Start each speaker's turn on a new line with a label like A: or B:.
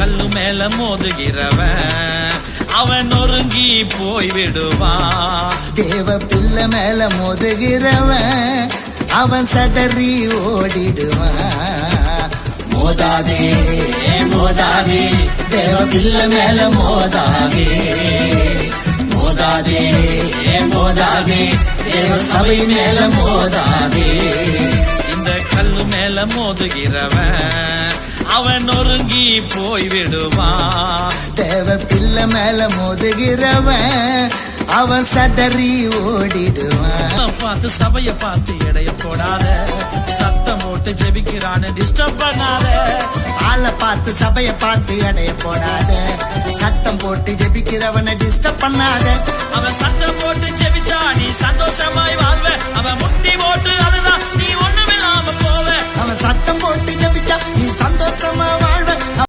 A: கல்லு மேல மோதுகிறவன் அவன் நொறுங்கி போய் விடுவான்.
B: தேவ பிள்ளை மேல மோதுகிறவன் அவன் சதறி ஓடிடுவான். மோதாதே மோதாதே தேவ பிள்ளை மேல மோதாதே. மோதாதே மோதாதே தேவ சபை மேல மோதாதே.
A: இந்த கல்லு மேல மோதுகிறவன் அவன் நொறுங்கி போய் விடுவான்.
B: தேவ பிள்ளை மேல மோதுகிறவன் அவன் சதறி ஓடிடுவான்.
A: பார்த்து சபைய பார்த்து எடைய போடாத, சத்தம் போட்டு ஜெபிக்கிறான்னு டிஸ்டர்ப் பண்ணாத.
B: ஆளை பார்த்து சபைய பார்த்து எடைய போடாத, சத்தம் போட்டு ஜெபிக்கிறவனை டிஸ்டர்ப் பண்ணாத.
A: அவன் சத்தம் போட்டு ஜெபிச்சா நீ சந்தோஷமாய் வாழ்வ, அவன் முட்டி போட்டு அழுதா நீ ஒண்ணுமில்லாம போவ.
B: அவன் சத்தம் போட்டு ஜெபிச்சா நீ சந்தோஷமா வாழ்வ.